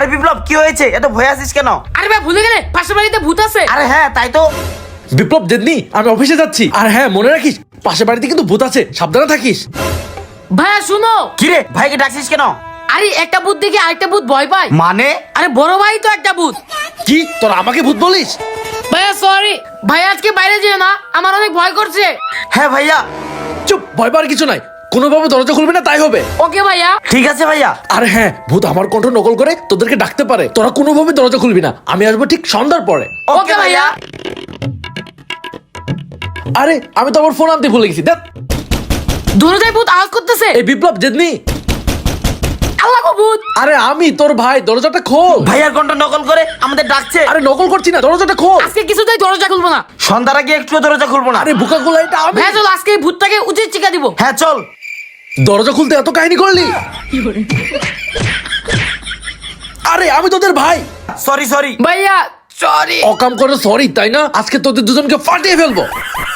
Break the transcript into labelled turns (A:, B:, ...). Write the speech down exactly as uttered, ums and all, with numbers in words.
A: আরে বিপ্লব কি হয়েছে, এত ভয় আছিস কেন?
B: আরে ভাই ভুলে গেলে পাশের বাড়িতে ভূত আছে।
A: আরে হ্যাঁ তাই তো।
C: বিপ্লব জেদনি, আমি অফিসে যাচ্ছি। আর হ্যাঁ মনে রাখিস, পাশের বাড়িতে কিন্তু ভূত আছে, সাবধানে থাকিস।
B: ভাইয়া শুনো।
A: কি রে ভাইকে ডাকছিস কেন?
B: আরে একটা ভূত দেখে আরেকটা ভূত ভয় পায়।
A: মানে?
B: আরে বড় ভাই তো একটা ভূত।
C: কি তোরা আমাকে ভূত বলিস?
B: ভাইয়া সরি, ভাইয়া আজকে বাইরে যেও না, আমার অনেক ভয় করছে।
A: হ্যাঁ ভাইয়া।
C: চুপ, ভয় পাওয়ার কিছু নাই, কোনোভাবে দরজা খুলবে না তাই হবে।
B: ওকে ভাইয়া।
A: ঠিক আছে ভাইয়া।
C: আর হ্যাঁ, ভূত আমার কণ্ঠ নকল করে তোদেরকে ডাকতে পারে, তোরা কোনোভাবে দরজা খুলবি না, আমি আসবো ঠিক সন্ধ্যার পরে।
B: ওকে ভাইয়া।
C: আরে আমি তো আমার ফোন আনতে ভুলে গেছি, দেখ।
B: দরজায় ভূত আওয়াজ করতেছে।
C: এই বিপ্লব জেদনি।
B: আল্লাহ গো ভূত।
C: আরে আমি তোর ভাই, দরজাটা খোল।
A: ভাইয়ার কণ্ঠ নকল করে আমাদের ডাকছে।
C: আরে নকল করছি না, দরজাটা খোল।
B: আজকে কিছুতেই দরজা খুলবো না।
A: সন্ধ্যার আগে একটু দরজা খুলবো না।
C: আরে বুকা গোলা, এটা আমি।
B: ভাইয়া চল আজকে এই ভূতটাকে উচিত শিক্ষা দিব।
A: হ্যাঁ চল।
C: দরজা খুলতে এত কাহিনী করলি? আরে আমি তোদের ভাই।
A: সরি সরি
B: ভাইয়া সরি।
C: অকাম করে সরি তাই না? আজকে তোদের দুজনকে ফাটিয়ে ফেলবো।